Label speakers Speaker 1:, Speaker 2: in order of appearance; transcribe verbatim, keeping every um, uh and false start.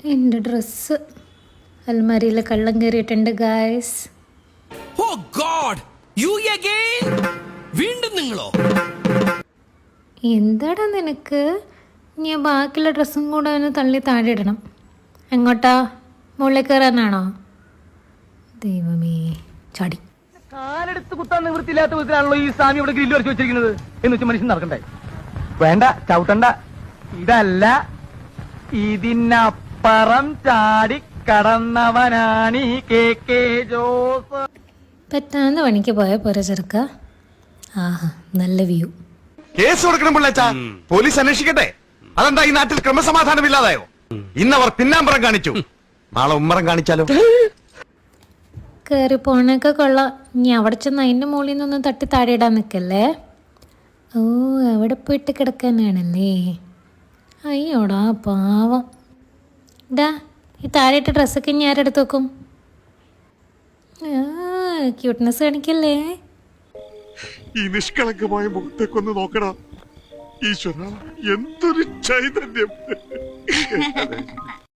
Speaker 1: എൻ്റെ ഡ്രസ്സ് അൽമാരിയിൽ കള്ളം കയറിയിട്ടുണ്ട് guys.
Speaker 2: Oh God, you again? വീണ്ടും നിങ്ങളോ?
Speaker 1: എന്താടാ നിനക്ക്? ഞാൻ ബാക്കിയുള്ള ഡ്രസ്സും കൂടെ ഒന്ന് തള്ളി താഴെ ഇടണം. എങ്ങോട്ടാ? മുകളിൽ കയറാനാണോ? ദൈവമേ, ചാടി.
Speaker 3: കാലെടുത്ത് കുത്താൻ നിവൃത്തിയില്ലാത്ത വിധത്തിലാണല്ലോ ഈ സ്വാമി ഇവിടെ ഗ്രില്ല് വരച്ച് വെച്ചിരിക്കുന്നത് എന്ന് വെച്ച് മനുഷ്യൻ നടക്കണ്ടേ? വേണ്ട, ചവിട്ടണ്ട. ഇതല്ല, ഇതിനപ്പുറം ചാടി കടന്നവനാണ് ഈ കെ കെ ജോസ്.
Speaker 1: പറ്റാന്ന് പണിക്ക് പോയ പോരെ ചെറുക്ക. ആഹാ, നല്ല വ്യൂ.
Speaker 4: കേസ് കൊടുക്കണം പിള്ളേച്ച, പോലീസ് അന്വേഷിക്കട്ടെ. അതെന്താ ഈ നാട്ടിൽ ക്രമസമാധാനം ഇല്ലാതായോ? ഇന്നവർ പിന്നാമ്പറം കാണിച്ചു, നാളെ ഉമ്മറം കാണിച്ചാലോ?
Speaker 1: കയറി പോണൊക്കെ കൊള്ളാം. ഇനി അവിടെ ചെന്ന് അതിൻ്റെ മുകളിൽ നിന്നൊന്നും തട്ടി താഴെ ഇടാൻ നിൽക്കല്ലേ. ഓ, അവിടെ പോയിട്ട് കിടക്കാനാണല്ലേ. അയ്യോടാ പാവം. ഇതാ ഈ താഴെയിട്ട ഡ്രസ്സൊക്കെ ഇനി ആരെടുത്ത് വെക്കും? ക്യൂട്ട്നെസ് കാണിക്കല്ലേ.
Speaker 5: ഈ നിഷ്കളങ്കമായ മുഖത്തേക്കൊന്ന് നോക്കടാ ഈശ്വര, എന്തൊരു ചൈതന്യം.